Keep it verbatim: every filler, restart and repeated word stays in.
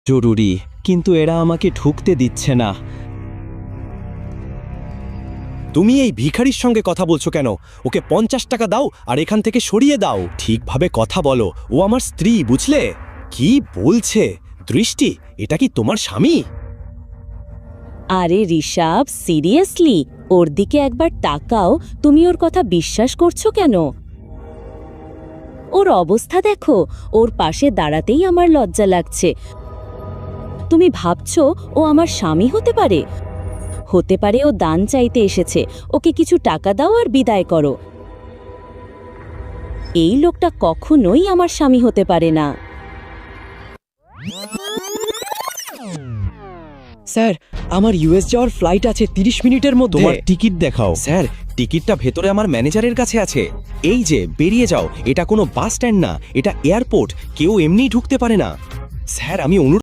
জরুরি, কিন্তু এরা আমাকে ঢুকতে দিচ্ছে না। তুমি এই ভিখারির সঙ্গে কথা বলছো কেন? ওকে পঞ্চাশ টাকা দাও আর এখান থেকে সরিয়ে দাও। ঠিকভাবে কথা বলো, ও আমার স্ত্রী, বুঝলে? কি বলছে? দৃষ্টি, এটা কি তোমার স্বামী? আরে ঋষভ, সিরিয়াসলি ওর দিকে একবার তাকাও। তুমি ওর কথা বিশ্বাস করছো কেন? ওর অবস্থা দেখো, ওর পাশে দাঁড়াতেই আমার লজ্জা লাগছে। তুমি ভাবছো ও আমার স্বামী হতে পারে? হতে পারে ও দান চাইতে এসেছে। ওকে কিছু টাকা দাও আর বিদায় করো। এই লোকটা কখনোই আমার স্বামী হতে পারে না। স্যার, আমার ইউএস যাওয়ার ফ্লাইট আছে তিরিশ মিনিটের মধ্যে। তোমার টিকিট দেখাও। স্যার, টিকিটটা ভেতরে আমার ম্যানেজারের কাছে আছে। এই যে, বেরিয়ে যাও। এটা কোনো বাস স্ট্যান্ড না, এটা এয়ারপোর্ট। কেউ এমনিই ঢুকতে পারে না। স্যার, আমি অনুরোধ